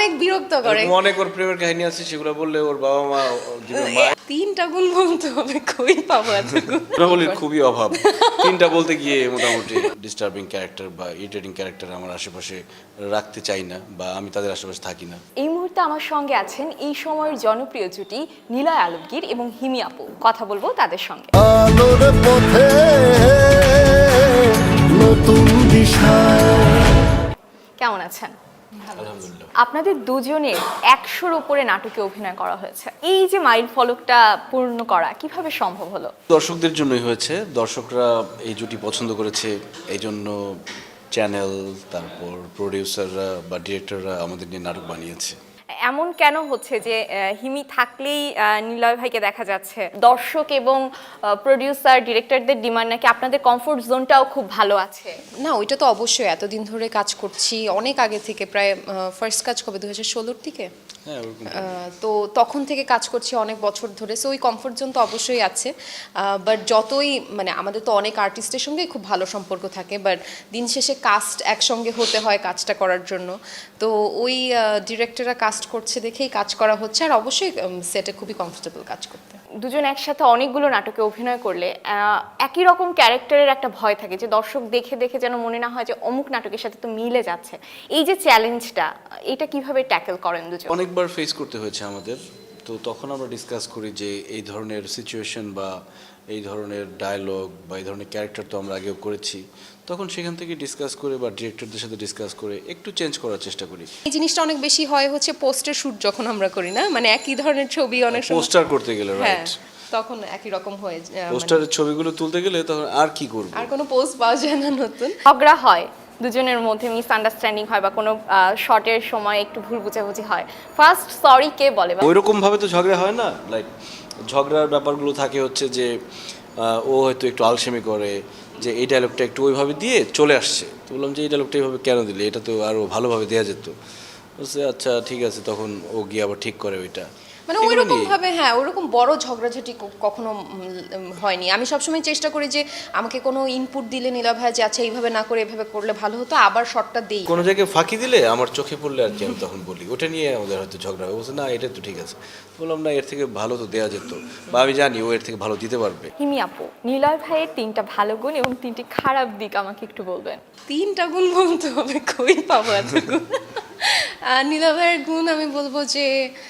অনেক বিরক্ত করে। অনেক ওর প্রেমের কাহিনী আছে, সেগুলো বললে ওর বাবা মা মা 3টা গুণ বলতে হবে, কই পাবো এত গুণ? গুণাবলীর খুবই অভাব। 3টা বলতে গিয়ে মোটামুটি ডিস্টার্বিং ক্যারেক্টার বা ইরিটেটিং ক্যারেক্টার আমার আশেপাশে রাখতে চাই না, বা আমি তাদের আশেপাশে থাকি না। এই মুহূর্তে আমার সঙ্গে আছেন এই সময়ের জনপ্রিয় জুটি নিলয় আলমগীর এবং হিমি আপু। কথা বলবো তাদের সঙ্গে। আলোর পথে নতুন দিশা। কেমন আছেন? আলহামদুলিল্লাহ। আপনাদের দুজনের 100-র উপরে নাটকে অভিনয় করা হয়েছে। এই যে মাইল ফলকটা পূর্ণ করা কিভাবে সম্ভব হলো? দর্শকদের জন্যই হয়েছে, দর্শকরা এই জুটি পছন্দ করেছে, এই জন্য চ্যানেল, তারপর প্রোডিউসাররা বা ডিরেক্টররা আমাদের নিয়ে নাটক বানিয়েছে। এমন কেন হচ্ছে যে হিমি থাকলেই নিলয় ভাইকে দেখা যাচ্ছে? দর্শক এবং প্রোডিউসার ডিরেক্টরদের ডিমান্ড নাকি আপনাদের কমফোর্ট জোনটাও খুব ভালো আছে? না, ওইটা তো অবশ্যই, এতদিন ধরে কাজ করছি, অনেক আগে থেকে, প্রায় ফার্স্ট কাজ কবে 2016-র দিকে। হ্যাঁ, ওরকম। তো তখন থেকে কাজ করছি অনেক বছর ধরে, সো ওই কমফোর্ট জোন তো অবশ্যই আছে। বাট যতই মানে আমাদের তো অনেক আর্টিস্টের সঙ্গেই খুব ভালো সম্পর্ক থাকে, বাট দিন শেষে কাস্ট একসঙ্গে হতে হয় কাজটা করার জন্য। তো ওই ডিরেক্টররা কাস্ট করছে দেখেই কাজ করা হচ্ছে, আর অবশ্যই সেটে খুবই কমফোর্টেবল কাজ করতে। দুজন একসাথে অনেকগুলো নাটকে অভিনয় করলে একই রকম ক্যারেক্টারের একটা ভয় থাকে যে দর্শক দেখে দেখে যেন মনে না হয় যে অমুক নাটকের সাথে তো মিলে যাচ্ছে। এই যে চ্যালেঞ্জটা, এটা কিভাবে ট্যাকেল করেন দুজন? অনেকবার ফেস করতে হয়েছে আমাদের, তো তখন আমরা ডিসকাস করি যে এই ধরনের সিচুয়েশন বা এই ধরনের ডায়লগ বা এই ধরনের ক্যারেক্টার তো আমরা আগেও করেছি, তখন সেখান থেকে ডিসকাস করে বা ডিরেক্টরদের সাথে ডিসকাস করে একটু চেঞ্জ করার চেষ্টা করি। এই জিনিসটা অনেক বেশি হয় হচ্ছে পোস্টার শুট যখন আমরা করি না, মানে একই ধরনের ছবি অনেক সময়, পোস্টার করতে গেলে, হ্যাঁ, রাইট, তখন একই রকম হয়ে যায়, পোস্টারের ছবিগুলো তুলতে গেলে তখন আর কি করব, আর কোনো পোস্ট পাওয়া যায় না নতুন। ঝগড়া হয় দুজনের মধ্যে, মিসআন্ডারস্ট্যান্ডিং হয় বা কোনো শর্টের সময় একটু ভুল বুঝাবুঝি হয়, ফার্স্ট সরি কে বলে? ওইরকম ভাবে তো ঝগড়া হয় না। লাইক ঝগড়ার ব্যাপারগুলো থাকে হচ্ছে যে ও হয়তো একটু আলসেমি করে যে এই ডায়লগটা একটু ওইভাবে দিয়ে চলে আসছে, তো বললাম যে এই ডায়লগটা এইভাবে কেন দিলে, এটা তো আরও ভালোভাবে দেওয়া যেত। বলছে আচ্ছা ঠিক আছে, তখন ও গিয়ে আবার ঠিক করে ওইটা। মানে ওইরকম ভাবে, হ্যাঁ, ওইরকম বড় ঝগড়াঝাটি কখনো হয়নি। আমি সবসময় চেষ্টা করি যে আমাকে কোনো ইনপুট দিলে নীলা ভাই যে আচ্ছা এইভাবে না করে এভাবে করলে ভালো হতো, আবার শর্টটা দেই। কোনো জায়গায় ফাঁকি দিলে আমার চোখে পড়লে আর কি আমি তখন বলি, ওটা নিয়ে আমাদের হয়তো ঝগড়া হবে। বলছে না এটা তো ঠিক আছে, বললাম না এর থেকে ভালো তো দেওয়া যেত, বা আমি জানি ও এর থেকে ভালো দিতে পারবে। হিমি আপু, নিলয় ভাইয়ের 3টা ভালো গুণ এবং 3টি খারাপ দিক আমাকে একটু বলবেন? 3টা গুণ বলতে হবে, কই পাবো এত গুণ? নীলা ভাইয়ের গুণ আমি বলবো যে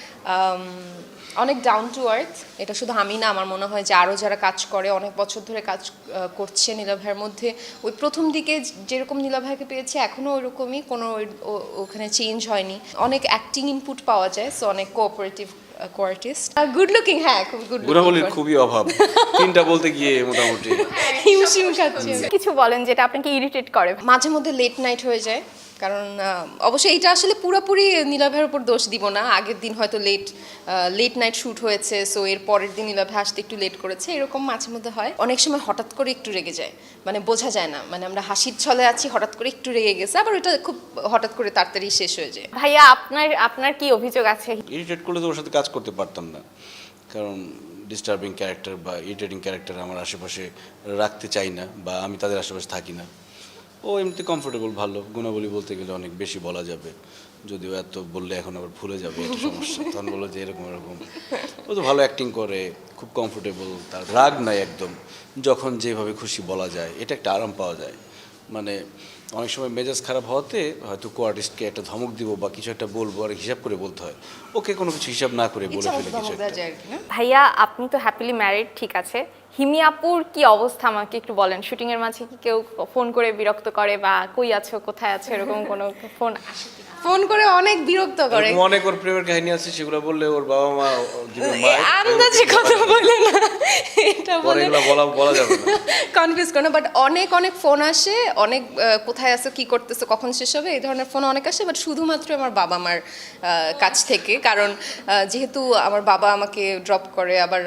অনেক ডাউন টু আর্থ। এটা শুধু আমি না, আমার মনে হয় যে আরও যারা কাজ করে, অনেক বছর ধরে কাজ করছে নীলা ভাইয়ের মধ্যে, ওই প্রথম দিকে যেরকম নীলা ভাইকে পেয়েছে এখনও ওইরকমই, কোনো ওখানে চেঞ্জ হয়নি। অনেক অ্যাক্টিং ইনপুট পাওয়া যায়, সো অনেক কোঅপারেটিভ কোয়ার্টিস্ট, গুড লুকিং, হ্যাঁ, খুব গুড লুকিং। গুণাবলীর খুবই অভাব, 3টা বলতে গিয়ে মোটামুটি। হিমশিম খাচ্ছি। কিছু বলেন যেটা আপনাকে ইরিটেট করে? মাঝে মধ্যে লেট নাইট হয়ে যায়, কারণ অবশ্যই এটা আসলে পুরোপুরি নীলা ভাইয়ের উপর দোষ দিব না। আগের দিন হয়তো লেট নাইট শ্যুট হয়েছে, সো এর পরের দিন নীলা ভাই আসতে একটু লেট করেছে, এরকম মাঝে মধ্যে হয়। অনেক সময় হঠাৎ করে একটু রেগে যায়, মানে বোঝা যায় না, মানে আমরা হাসির ছলে আছি, হঠাৎ করে একটু রেগে গেছে, আবার ওটা খুব হঠাৎ করে তাড়াতাড়ি শেষ হয়ে যায়। ভাইয়া, আপনার কি অভিযোগ আছে? ইরিটেট করলে তো ওর সাথে কাজ করতে পারতাম না, কারণ ডিস্টার্বিং ক্যারেক্টার বা ইরিটেটিং ক্যারেক্টার আমার আশেপাশে রাখতে চাই না, বা আমি তাদের আশেপাশে থাকি না। ও এমনিতে কমফোর্টেবল, ভালো। গুণাবলী বলতে গেলে অনেক বেশি বলা যাবে, যদিও এত বললে এখন আবার ভুলে যাবে, এটা সমস্যা। তখন বলো যে এরকম এরকম। ও তো ভালো অ্যাক্টিং করে, খুব কমফোর্টেবল, তার রাগ নাই একদম, যখন যেভাবে খুশি বলা যায়, এটা একটা আরাম পাওয়া যায়। মানে অনেক সময় মেজাজ খারাপ হওয়াতে হয়তো কোয়ার্টিস্টকে একটা ধমক দিব বা কিছু একটা বলবো, আর হিসাব করে বলতে হয়, ওকে কোনো কিছু হিসাব না করে বলে ফেলে কিছু একটা। ভাইয়া, আপনি তো হ্যাপিলি ম্যারিড, ঠিক আছে, হিমি আপুর কি অবস্থা আমাকে একটু বলেন? শুটিং এর মাঝে কি কেউ ফোন করে বিরক্ত করে বা কই আছো কোথায় আছো এরকম কোনো ফোন আসে? ফোন করে অনেক বিরক্ত করে। অনেক ওর প্রেমের কাহিনী আছে, সেগুলো বললে ওর বাবা মা আন্দাজে কথা বলে না, এটা বলে বলা যাবে না, কনফিউজ করে না। বাট অনেক ফোন আসে, অনেক কোথায় আছো, কি করতেছো, কখন শেষ হবে, এই ধরনের ফোন অনেক আসে, বাট শুধুমাত্র আমার বাবা মার কাছ থেকে, কারণ যেহেতু আমার বাবা আমাকে ড্রপ করে, আবার